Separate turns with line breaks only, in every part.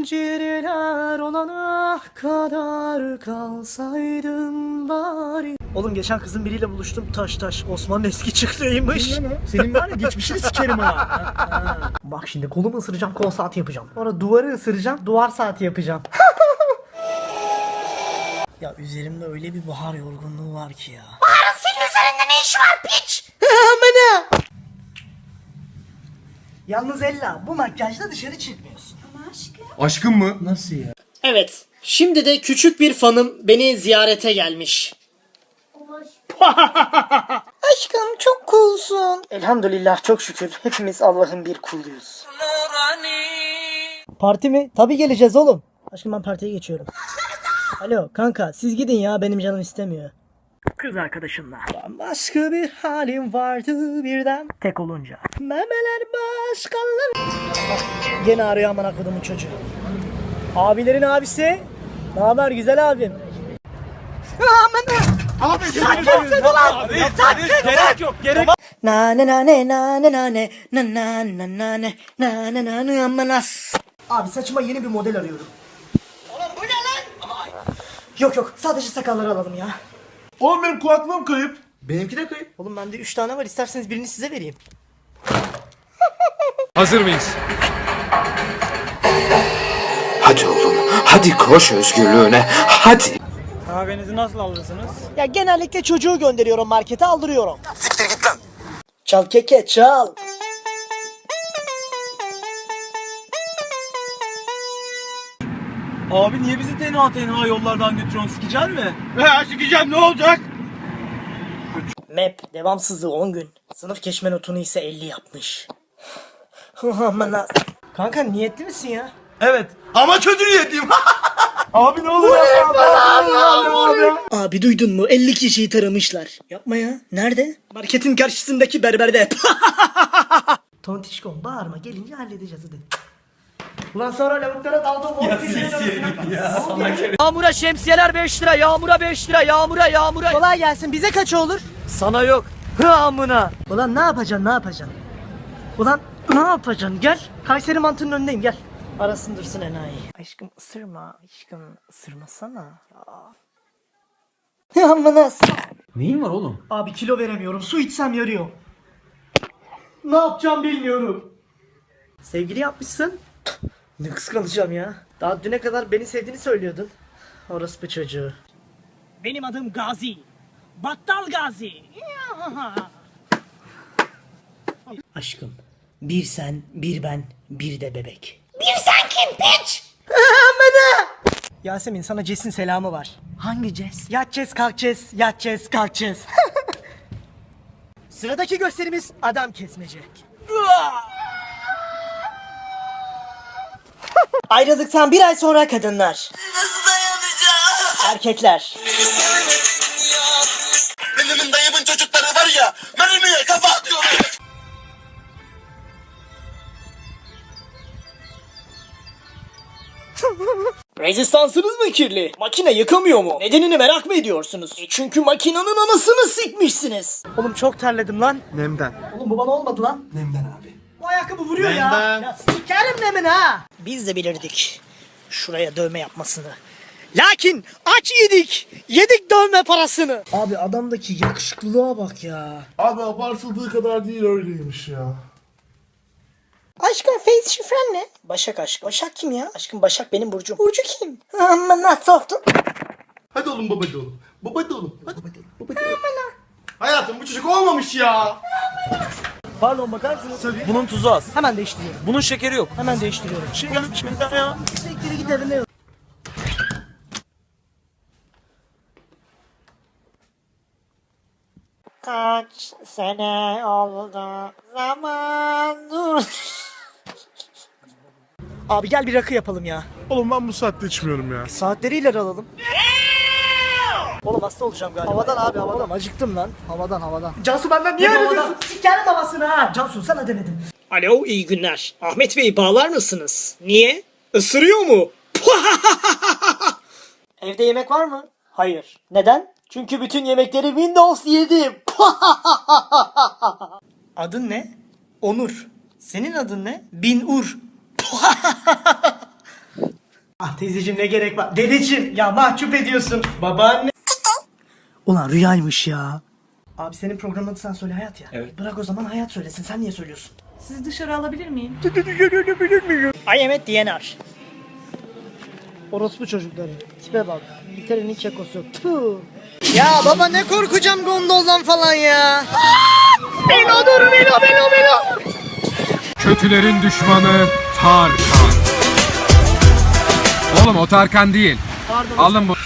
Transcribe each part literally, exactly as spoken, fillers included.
zincirler olana kadar kalsaydın bari. Oğlum geçen kızın biriyle buluştum, taş taş Osman'ın eski çıktığıymış.
Senin var ya geçmişini sikerim ha.
Bak şimdi kolumu ısıracağım, kol saati yapacağım. Sonra duvarı ısıracağım, duvar saati yapacağım. Ya üzerimde öyle bir bahar yorgunluğu var ki ya.
Bahar'ın senin üzerinde ne iş var piç?
Amına! Yalnız Ella, bu makyajla dışarı çıkmıyorsun.
Ama aşkım.
Aşkım mı? Nasıl ya?
Evet, şimdi de küçük bir fanım beni ziyarete gelmiş. Aşkım çok coolsun. Elhamdülillah, çok şükür. Hepimiz Allah'ın bir kuluyuz. Parti mi? Tabii geleceğiz oğlum. Aşkım ben partiye geçiyorum. Alo kanka, siz gidin ya, benim canım istemiyor. Kız arkadaşımla. Başka bir halim vardı birden. Tek olunca. Memeler başkaları. Bak, gene arıyor aman kodumun çocuğu. Abilerin abisi. Ne haber güzel abim? Aman.
Abi gerek yok gerek.
Na ne na ne na ne na ne na na na na ne na na na ne amanas. Abi saçıma yeni bir model arıyorum. Oğlum bu ne lan? Yok yok, sadece sakalları alalım ya.
Oğlum benim kulaklığım kayıp. Benimki de kayıp.
Oğlum bende üç tane var, isterseniz birini size vereyim.
Hazır mıyız?
Hadi oğlum, hadi koş özgürlüğüne, hadi.
Kahvenizi nasıl alırsınız?
Ya genellikle çocuğu gönderiyorum markete, aldırıyorum. Siktir git lan. Çal keke çal.
Abi niye bizi tenha tenha yollardan götürüyorsun? Sikecen mi?
He sikeceğim ne olacak?
Map devamsızlığı on gün. Sınıf geçme notunu ise elli yapmış. Aman ha. Kanka niyetli misin ya?
Evet. Ama kötü niyetliyim. Abi ne olur yapma.
Abi duydun mu? elli kişiyi taramışlar. Yapma ya. Nerede? Marketin karşısındaki berberde. Tontişkom bağırma, gelince halledeceğiz hadi. Ulan sonra lavuklara daldım. Ya Yağmura şemsiyeler beş lira, yağmura beş lira, yağmura yağmura. Kolay gelsin, bize kaç olur? Sana yok. Hı amına. Ulan ne yapacaksın, ne yapacaksın? Ulan ne yapacaksın? Gel. Kayseri mantının önündeyim, gel. Arasın dursun enayi. Aşkım ısırma, aşkım ısırmasana. Ya amına.
Neyin var oğlum?
Abi kilo veremiyorum, su içsem yarıyor. Ne yapacağım bilmiyorum. Sevgili yapmışsın. Ne kıskanacağım ya. Daha düne kadar beni sevdiğini söylüyordun. Orospu çocuğu. Benim adım Gazi. Battal Gazi. Aşkım, bir sen, bir ben, bir de bebek.
Bir sen kim piç?
Yasemin, sana Ces'in selamı var. Hangi Ces? Yatacağız kalkacağız, yatacağız kalkacağız. Sıradaki gösterimiz adam kesmece. Ayrıldıktan bir ay sonra kadınlar.
Nasıl dayanacağım?
Erkekler.
Benim dayımın çocukları var ya, mermiye kafa atıyorlar.
Rezistansınız mı kirli? Makine yıkamıyor mu? Nedenini merak mı ediyorsunuz? E çünkü makinenin anasını sikmişsiniz. Oğlum çok terledim lan.
Nemden.
Oğlum bu bana olmadı lan.
Nemden abi.
Bu ayakkabı vuruyor ya.
Nemden.
Ya sikerim nemin ha. Biz de bilirdik şuraya dövme yapmasını. Lakin aç yedik. Yedik dövme parasını. Abi adamdaki yakışıklılığa bak ya.
Abi abartıldığı kadar değil öyleymiş ya.
Aşkım face şifren ne? Başak aşkım. Başak kim ya? Aşkım Başak benim burcum. Burcu kim? Amma nasıl soktun?
Hadi oğlum babacı oğlum. Babacı oğlum. Hadi babacı oğlum. Babacı oğlum. Hayatım bu çocuk olmamış ya.
Pardon bakar mısınız? Tabii.
Bunun tuzu az.
Hemen değiştiriyorum.
Bunun şekeri yok.
Hemen değiştiriyorum.
Şey gelmiş benden ya.
Siktir git evine. Kaç sene oldu zaman dur. Abi gel bir rakı yapalım ya.
Oğlum ben bu saatte içmiyorum ya.
Saatleri ileri alalım. Oğlum hasta olacağım galiba. Havadan abi havadan. Oğlum acıktım lan. Havadan havadan. Cansu benden niye öyle diyorsun? Sikerim havasını ha. Cansu sana demedim. Alo iyi günler. Ahmet Bey bağlar mısınız? Niye? Isırıyor mu? Evde yemek var mı? Hayır. Neden? Çünkü bütün yemekleri Windows yedim. Adın ne? Onur. Senin adın ne? Bin Ur. Ah teyzeciğim ne gerek var? Dedeciğim ya mahcup ediyorsun. Babaanne. Ulan rüyaymış ya. Abi senin programın adı sen söyle Hayat ya.
Evet.
Bırak o zaman Hayat söylesin. Sen niye söylüyorsun?
Sizi dışarı alabilir miyim?
I am at D N R. Orospu çocukları. Tipe bak. İngiltere'nin kekosu. Tüh. Ya baba ne korkacağım gondoldan falan ya. Belo dur Belo Belo Belo.
Kötülerin düşmanı Tarkan. Oğlum o Tarkan değil.
Pardon.
Alın bu.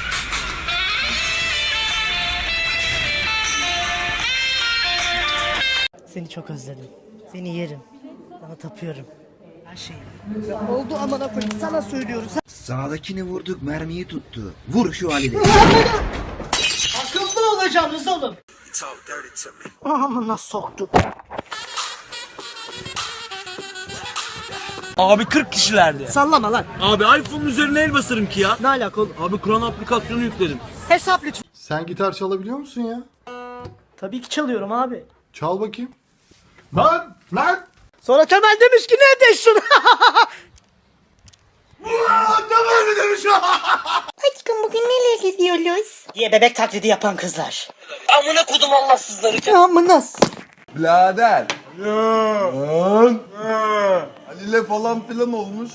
Seni çok özledim. Seni yerim. Sana tapıyorum. Her şeyim. Ya oldu amına koyayım sana söylüyoruz.
Sağdakini vurduk, mermiyi tuttu. Vur şu Ali'de.
Akıllı olacaksınız oğlum. Amına soktu.
Abi kırk kişilerdi.
Sallama lan.
Abi iPhone'un üzerine el basarım ki ya.
Ne alaka oğlum?
Abi Kur'an aplikasyonu yükledim.
Hesap lütfen.
Sen gitar çalabiliyor musun ya?
Tabii ki çalıyorum abi.
Çal bakayım. Lan! Lan!
Sonra Temel demiş ki ne ediyorsun?
Aşkım bugün nereye gidiyoruz?
diye bebek taklidi yapan kızlar.
Amına kodum Allahsızları.
Ya amına.
Birader. Lan. Ali'yle falan filan olmuş.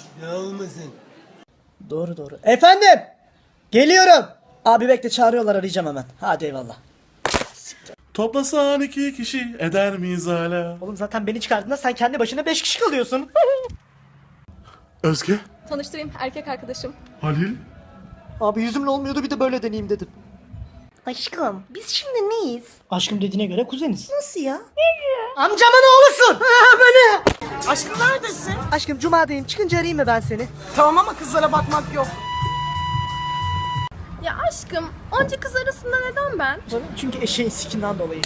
Doğru doğru. Efendim. Geliyorum. Abi bekle çağırıyorlar arayacağım hemen. Hadi eyvallah.
Toplasan iki kişi eder miyiz hala?
Oğlum zaten beni çıkardığında sen kendi başına beş kişi kalıyorsun.
Özge,
Tanıştırayım, erkek arkadaşım.
Halil.
Abi yüzümle olmuyordu bir de böyle deneyeyim dedim.
Aşkım biz şimdi neyiz?
Aşkım dediğine göre kuzeniz.
Nasıl ya?
Amcamın oğlusun. Böyle.
Aşkım neredesin?
Aşkım cumadayım çıkınca arayayım mı ben seni?
Tamam ama kızlara bakmak yok.
Ya aşkım, onca kız arasında neden ben?
Çünkü eşeğin sikinden dolayı.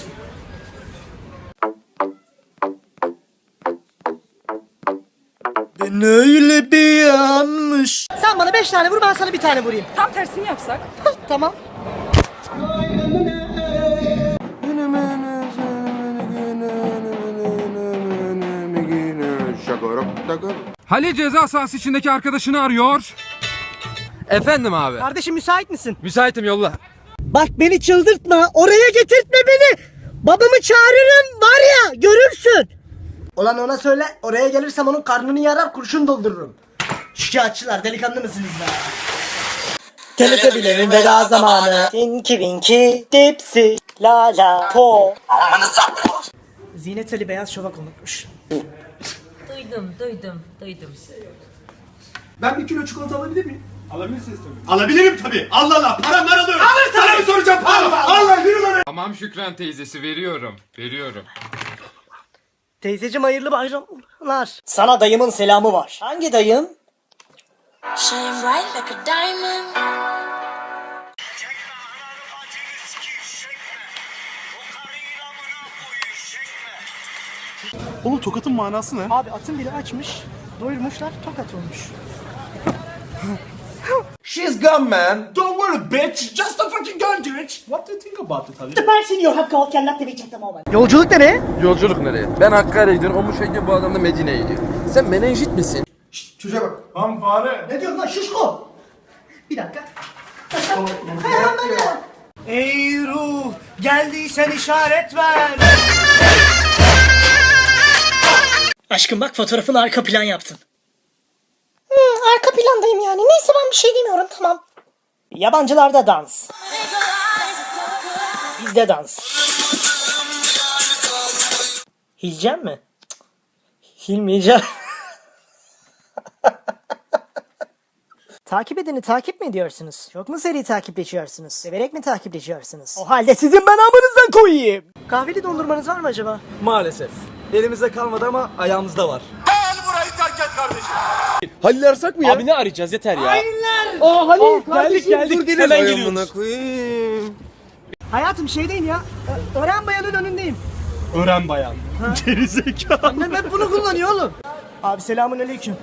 Ben öyle bir yanmış. Sen bana beş tane vur ben sana bir tane vurayım.
Tam tersini yapsak.
Tamam.
Halil ceza sahası içindeki arkadaşını arıyor. Efendim abi.
Kardeşim müsait misin?
Müsaitim yolla.
Bak beni çıldırtma. Oraya getirtme beni. Babamı çağırırım var ya görürsün. Ulan ona söyle oraya gelirsem onun karnını yarar kurşun doldururum. Şikayetçiler delikanlı mısınız be? Teletebilerin veda zamanı. Tinky Winky Dipsy La La Po. Zinet Ali beyaz şovak unutmuş.
Duydum, duydum, duydum.
Ben bir kilo çikolata alabilir miyim? Alabilirsiniz tabii. Alabilirim tabii. Allah Allah. Param var alıyorum. Alır tabii. Sana mı soracağım param? Allah yürü lan.
Tamam Şükran teyzesi veriyorum. Veriyorum.
Teyzeciğim hayırlı bayramlar. Sana dayımın selamı var. Hangi dayım?
Shine bright like a diamond.
Oğlum tokatın manası ne?
Abi atın biri açmış. Doyurmuşlar tokat olmuş.
She's gone man.
Don't worry bitch, just a fucking gun dude. What do you think about it Halil?
Süpersin you have called cannot be checked ama. Yolculuk nereye?
Yolculuk nereye? Ben Hakkari'ye gidiyorum. O muşayla bu adam da Medine'ye gidiyor. Sen menenjit misin?
Çocuğa bak.
Lan fare.
Ne diyorsun lan şişko? Bir dakika. Ey ruh geldiysen işaret ver. Aşkım bak fotoğrafını arka plan yaptın.
Hmm, arka plandayım yani. Neyse ben bir şey demiyorum tamam.
Yabancılarda dans. Bizde dans. Hilcem mi? Cık, Hilmeyeceğim. Takip edeni takip mi ediyorsunuz? Çok mu seri takipleşiyorsunuz? Severek mi takipleşiyorsunuz? O halde sizin ben amınızdan koyayım. Kahveli dondurmanız var mı acaba?
Maalesef. Elimizde kalmadı ama ayağımızda var.
Gel burayı terk et kardeşim.
Halil arasak mı ya? Abi ne arayacağız yeter ya.
Hainler!
Aa Halil geldik
kardeşim,
geldik.
dur,
Hemen
Ay
geliyoruz.
amına koyayım.
Hayatım şeydeyim ya. Ö- Ören bayanın önündeyim.
Öğren bayan. Gerizekalı.
Annem hep bunu kullanıyor oğlum. Abi selamun aleyküm.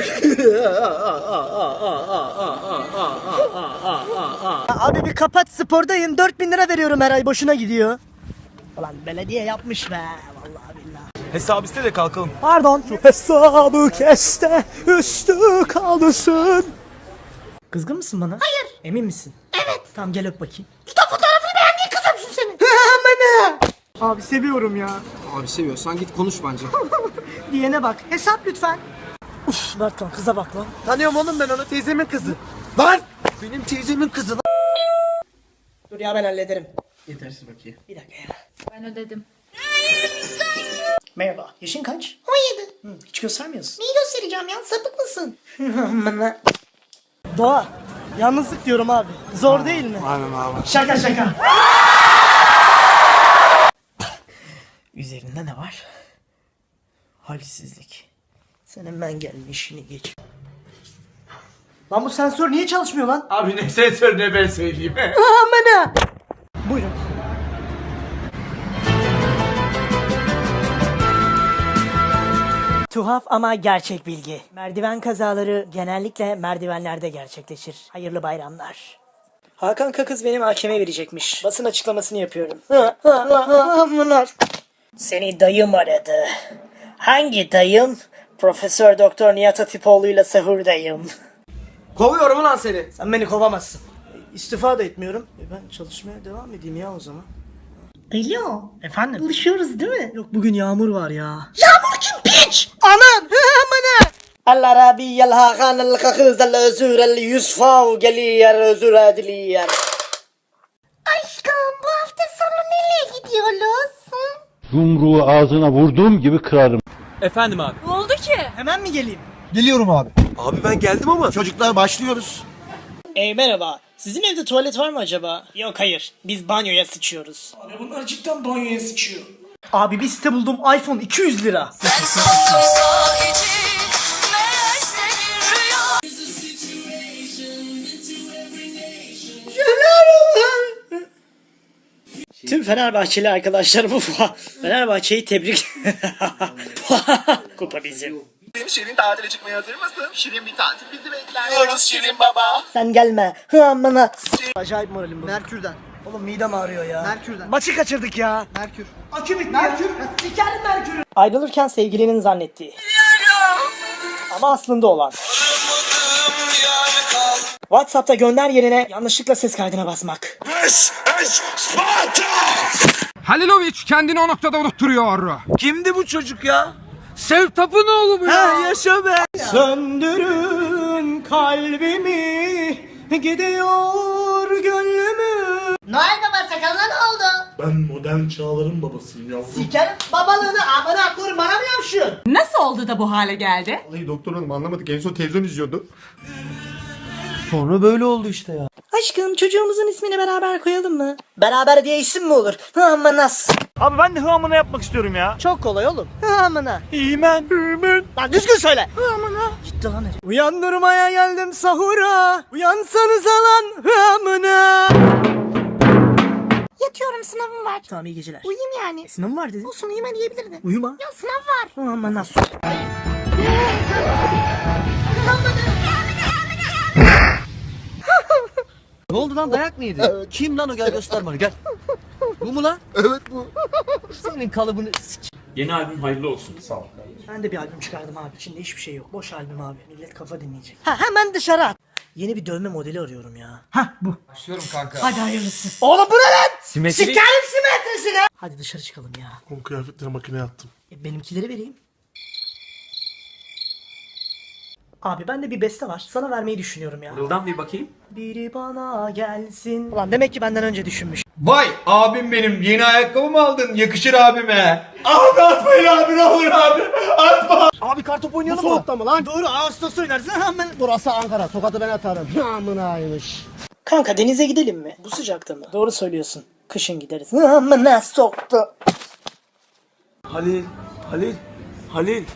Abi bir kapat spordayım. dört bin lira veriyorum her ay boşuna gidiyor. Ulan belediye yapmış be. Vallahi billahi.
Hesap iste de kalkalım.
Pardon. Şu hesabı keste üstü kaldırsın. Kızgın mısın bana?
Hayır.
Emin misin?
Evet.
Tamam gel öp bakayım.
İşte fotoğrafını beğendiğin kızımsın senin.
Abi seviyorum ya.
Abi seviyorsan git konuş bence.
Diyene bak. Hesap lütfen. Uf Berkan kıza bak lan.
Tanıyorum oğlum ben onu, teyzemin kızı. Lan! Benim teyzemin kızı lan.
Dur ya ben hallederim.
Yetersiz bakayım.
Bir dakika ya.
Ben ödedim.
Merhaba. Yaşın kaç?
on yedi.
Hı, hiç göstermiyorsun.
Neyi göstereceğim ya? Sapık mısın?
Doğa. Yalnızlık diyorum abi. Zor değil mi?
Aynen abi.
Şaka şaka. Üzerinde ne var? Halsizlik. Sen hemen gel işini geç. Lan bu sensör niye çalışmıyor lan?
Abi ne sensör ne ben söyleyeyim.
Amına. Buyurun. Tuhaf ama gerçek bilgi. Merdiven kazaları genellikle merdivenlerde gerçekleşir. Hayırlı bayramlar. Hakan Kakız benim hakeme verecekmiş. Basın açıklamasını yapıyorum. Seni dayım aradı. Hangi dayım? Profesör Doktor Nihat Hatipoğlu'yla sahurdayım.
Kovuyorum ulan seni.
Sen beni kovamazsın. İstifa da etmiyorum. E ben çalışmaya devam edeyim ya o zaman.
Alo.
Efendim?
Buluşuyoruz değil mi?
Yok bugün yağmur var ya.
Yağmur kim piç?
Anan! Amına! Allah Rabbi yel hakan el kakız el özür el yusfav geliyer özür ediliyer.
Aşkım bu hafta sonu nereye gidiyoruz? Hı?
Yumruğu ağzına vurduğum gibi kırarım.
Efendim abi.
Ne oldu ki?
Hemen mi geleyim?
Geliyorum abi. Abi ben geldim ama. Çocuklar başlıyoruz.
Ey merhaba. Sizin evde tuvalet var mı acaba? Yok hayır. Biz banyoya sıçıyoruz. Abi bunlar cidden banyoya sıçıyor. Abi bir site buldum. iPhone iki yüz lira. Tüm Fenerbahçeli arkadaşlarımı Fenerbahçe'yi tebrik. Kupa bizim.
Şirin tatile çıkmaya hazır mısın? Şirin bir tatil bizi bekler. Diyoruz Şirin baba.
Sen gelme. Hı amına. Acayip moralim bu.
Merkür'den.
Oğlum midem ağrıyor ya.
Merkür'den.
Maçı kaçırdık ya.
Merkür.
Akü bitti Merkür. ya. Sikerim Merkür'ü. Ayrılırken sevgilinin zannettiği. Ama aslında olan. WhatsApp'ta gönder yerine yanlışlıkla ses kaydına basmak.
Halilovic kendini o noktada unutturuyor.
Kimdi bu çocuk ya? Sev Tapınoğlu mu ya? Ha, yaşa be.
Söndürün kalbimi, gidiyor gönlümü.
Noel Baba sakalına ne oldu?
Ben modern çağların babasıyım yavrum.
Sikerim babalığını amına koyayım bana mı yapışıyorsun?
Nasıl oldu da bu hale geldi?
Vallahi doktor hanım anlamadık. En son televizyon izliyordu.
Sonra böyle oldu işte ya.
Aşkım çocuğumuzun ismini beraber koyalım mı? Beraber diye isim mi olur? Hıamanas.
Abi ben de hıamına yapmak istiyorum ya.
Çok kolay oğlum. Hıamına.
İmen. İmen.
Lan düzgün söyle. Hıamına. Gitti lan herif. Uyandırmaya geldim sahura. Uyansanıza lan hıamına.
Yatıyorum, sınavım var.
Tamam iyi geceler.
Uyuyayım yani.
E, sınavım var dedin.
Olsun, uyuma diyebilirdin.
Uyuma.
Ya sınav var.
Hıamanas.
Ne oldu lan, dayak mı yedi? Kim lan o, gel göster bana gel. Bu mu lan?
Evet bu.
Senin kalıbını sik.
Yeni albüm hayırlı olsun. Sağ ol.
Ben de bir albüm çıkardım abi. İçinde hiçbir şey yok. Boş albüm abi. Millet kafa dinleyecek. Ha hemen dışarı at. Yeni bir dövme modeli arıyorum ya. Ha bu.
Başlıyorum kanka.
Hadi hayırlısı. Oğlum bu ne lan?
Simetri.
Sikerim simetrisine. Hadi dışarı çıkalım ya.
Oğlum kıyafetleri makineye attım.
E, benimkileri vereyim. Abi bende bir beste var. Sana vermeyi düşünüyorum ya.
Buradan bir bakayım.
Biri bana gelsin. Ulan demek ki benden önce düşünmüş.
Vay abim benim. Yeni ayakkabı mı aldın? Yakışır abime. Abi atmayın abi, ne olur abi. Atma.
Abi kartop oynayalım
Bu
mı?
soğukta mı lan? Doğru Ağustos oynarsın hemen.
Burası Ankara. Tokat'ı ben atarım. Amınaymış.
Kanka denize gidelim mi? Bu sıcakta mı? Doğru söylüyorsun. Kışın gideriz. Amına soktu.
Halil. Halil. Halil.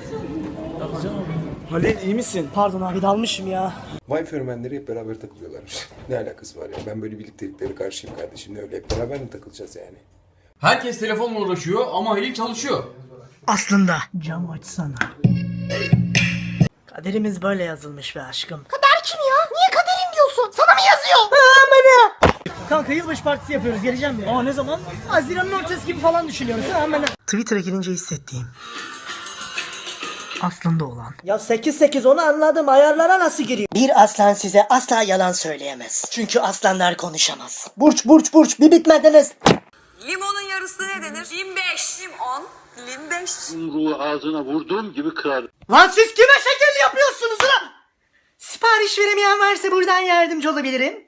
Halil iyi misin?
Pardon abi dalmışım ya.
Vay fenomenleri hep beraber takılıyorlarmış. Ne alakası var ya? Ben böyle birlikteliklere karşıyım kardeşim. Ne öyle hep beraber mi takılacağız yani?
Herkes telefonla uğraşıyor ama Halil çalışıyor.
Aslında. Cam açsana. Kaderimiz böyle yazılmış be aşkım.
Kader kim ya? Niye kaderim diyorsun? Sana mı yazıyor?
Amına. Kanka yılbaşı partisi yapıyoruz. Geleceğim mi? Aa ne zaman? Haziran'ın ortası gibi falan düşünüyoruz. Amına. Twitter'a girince hissettiğim. Aslında olan. Ya sekiz sekiz onu anladım. Ayarlara nasıl giriyor? Bir aslan size asla yalan söyleyemez. Çünkü aslanlar konuşamaz. Burç burç burç bir bitmediniz.
Limonun yarısı ne denir? Lim beş. Limon. Lim beş.
Yumruğu ağzına vurduğum gibi kırarım.
Lan siz kime şekil yapıyorsunuz lan? Sipariş veremeyen varsa buradan yardımcı olabilirim.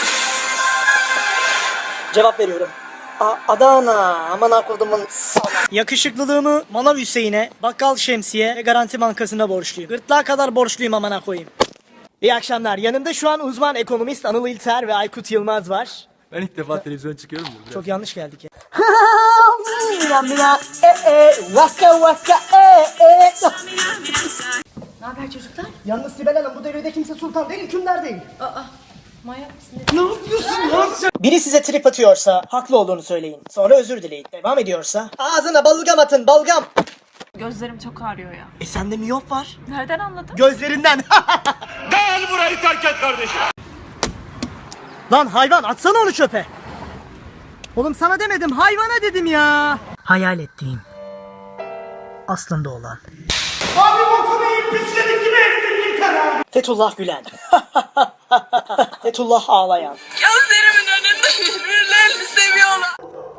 Cevap veriyorum. A Adana. Aman akıllımın sana. Yakışıklılığımı Manav Hüseyin'e, Bakkal Şemsiye ve Garanti Bankası'na borçluyum. Gırtlağa kadar borçluyum amına koyayım. İyi akşamlar. Yanımda şu an uzman ekonomist Anıl İlter ve Aykut Yılmaz var.
Ben ilk defa televizyon çıkıyorum ya.
Çok yanlış geldik ya. Mina mina e e vaka vaka e e.
Ne haber çocuklar?
Yalnız Sibel Hanım bu devirde kimse sultan değil, hükümdar değil.
Aa, manyak mısın?
Ne yapıyorsun lan sen? Biri size trip atıyorsa haklı olduğunu söyleyin. Sonra özür dileyin. Devam ediyorsa ağzına balgam atın, balgam.
Gözlerim çok ağrıyor ya.
E sende miyop var.
Nereden anladın?
Gözlerinden.
Gel burayı terk et kardeşim.
Lan hayvan atsana onu çöpe. Oğlum sana demedim, hayvana dedim ya. Hayal ettiğim. Aslında olan.
Abi bokunu yiyip pisledik gibi herifin yıkar abi.
Fethullah Gülen. Fethullah ağlayan.
Gözlerimin önünde birbirlerini seviyorlar.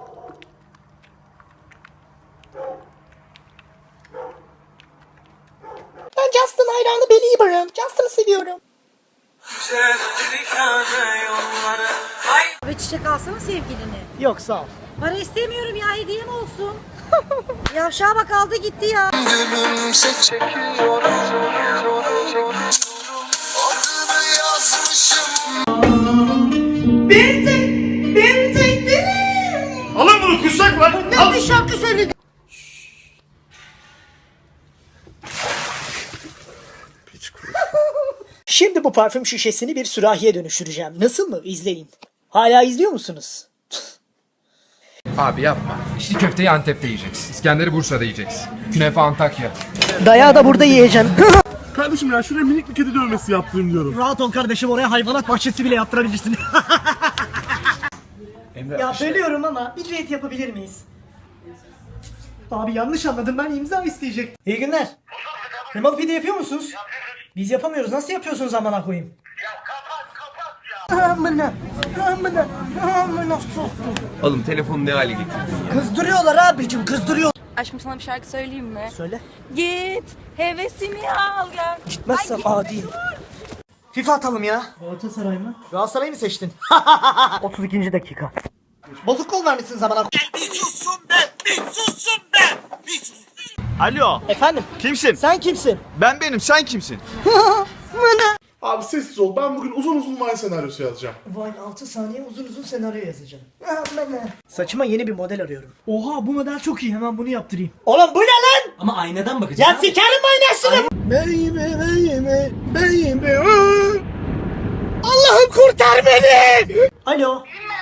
Ben Justin hayranı Belieber'ım. Justin'ı seviyorum.
Ve çiçek alsana sevgilini.
Yok sağ ol.
Para istemiyorum ya, hediye mi olsun? Yavşağa bak, aldı gitti ya.
Bir tek, bir tek dilim.
Alın bunu kussak var.
Ne bir şarkı söyledi. Şimdi bu parfüm şişesini bir sürahiye dönüştüreceğim. Nasıl mı? İzleyin. Hala izliyor musunuz?
Abi yapma. İçli köfteyi Antep'te yiyeceksin. İskender'i Bursa'da yiyeceksin. Künefe Antakya.
Dayağı da burada yiyeceksin.
Kardeşim ya şuraya minik bir kedi dövmesi yaptırayım diyorum.
Rahat ol kardeşim, oraya hayvanat bahçesi bile yaptırabilirsin. Ya bölüyorum ama bir düet yapabilir miyiz? Abi yanlış anladım, ben imza isteyecektim. İyi günler. Remote pide yapıyor musunuz? Biz yapamıyoruz. Nasıl yapıyorsunuz amına koyayım? Ya kapat kapat ya. Amına amına amına soktum.
Oğlum telefonu ne hale getirdin?
Kızdırıyorlar abicim, kızdırıyor.
Aşkım sana bir şarkı söyleyeyim mi?
Söyle.
Git hevesini al gel.
Gitmezsem adi. FIFA atalım ya. Galatasaray mı? Galatasaray mı seçtin? otuz ikinci dakika. Bozuk kol vermişsin zamana.
Bir sussun be. Bir sussun be. Bir sussun. Alo.
Efendim?
Kimsin?
Sen kimsin?
Ben benim. Sen kimsin?
Abi sessiz ol. Ben bugün uzun uzun Vine senaryosu yazacağım.
Vine altı saniye uzun uzun senaryo yazacağım. Saçıma yeni bir model arıyorum. Oha bu model çok iyi, hemen bunu yaptırayım. Oğlum bu ne lan?
Ama aynadan bakacağız.
Ya sikerim aynasını. Baby baby baby. Allah'ım kurtar beni. Alo.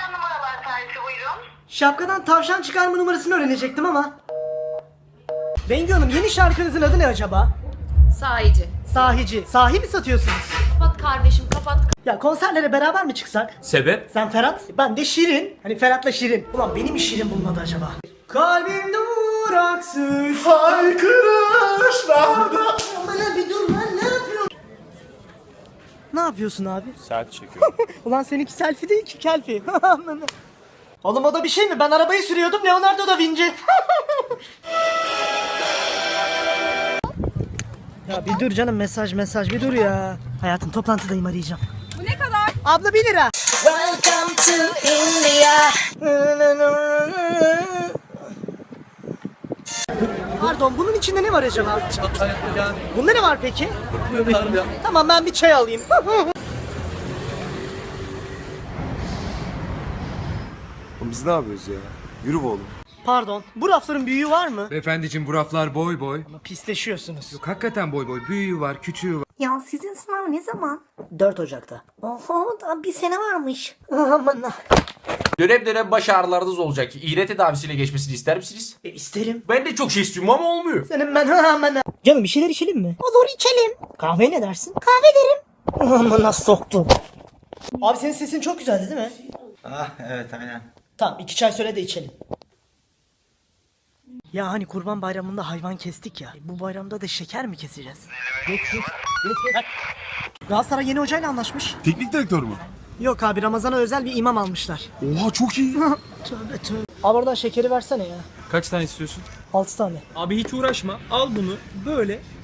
Şapkadan tavşan çıkarma numarasını öğrenecektim ama. Bengü Hanım, yeni şarkınızın adı ne acaba?
Sahici.
Sahici. Sahi mi satıyorsunuz?
Kapat kardeşim kapat.
Ya konserlere beraber mi çıksak?
Sebep?
Sen Ferhat, ben de Şirin. Hani Ferhat'la Şirin. Ulan benim mi Şirin bulmadı acaba? Kalbim duraksız haykırışlarda. Bana bir dur lan, ne yapıyorsun? Ne yapıyorsun abi?
Saat çekiyorum.
Ulan seninki selfie değil ki kelfi. Oğlum o da bir şey mi? Ben arabayı sürüyordum, Leonardo da Vinci. Ya bir dur canım, mesaj mesaj bir dur ya. Hayatım toplantıdayım, arayacağım.
Bu ne kadar?
Abla bir lira. Welcome to India. Pardon, bunun içinde ne var acaba? Bunda ne var peki? Tamam, ben bir çay alayım.
Biz ne yapıyoruz ya? Yürü be oğlum.
Pardon, bu rafların büyüğü var mı?
Beyefendiciğim bu raflar boy boy.
Ama pisleşiyorsunuz.
Yok hakikaten boy boy. Büyüğü var, küçüğü var.
Ya sizin sınav ne zaman?
dört Ocak'ta.
Oho, daha bir sene varmış.
Aman.
Dönem dönem baş ağrılarınız olacak. İğne tedavisiyle geçmesini ister misiniz?
E, isterim.
Ben de çok şey istiyorum ama olmuyor.
Senin ben aman. Canım bir şeyler içelim mi?
Olur, içelim.
Kahve ne dersin?
Kahve derim.
Amına soktum. Abi senin sesin çok güzeldi değil mi?
Ah evet aynen.
Tamam, iki çay söyle de içelim. Ya hani kurban bayramında hayvan kestik ya. Bu bayramda da şeker mi keseceğiz? Geç geç. Geç geç. Galatasaray yeni hocayla anlaşmış.
Teknik direktör mü?
Yok abi, Ramazan'a özel bir imam almışlar.
Oha çok iyi.
Tövbe tövbe. Abi oradan şekeri versene ya.
Kaç tane istiyorsun?
altı tane.
Abi hiç uğraşma. Al bunu böyle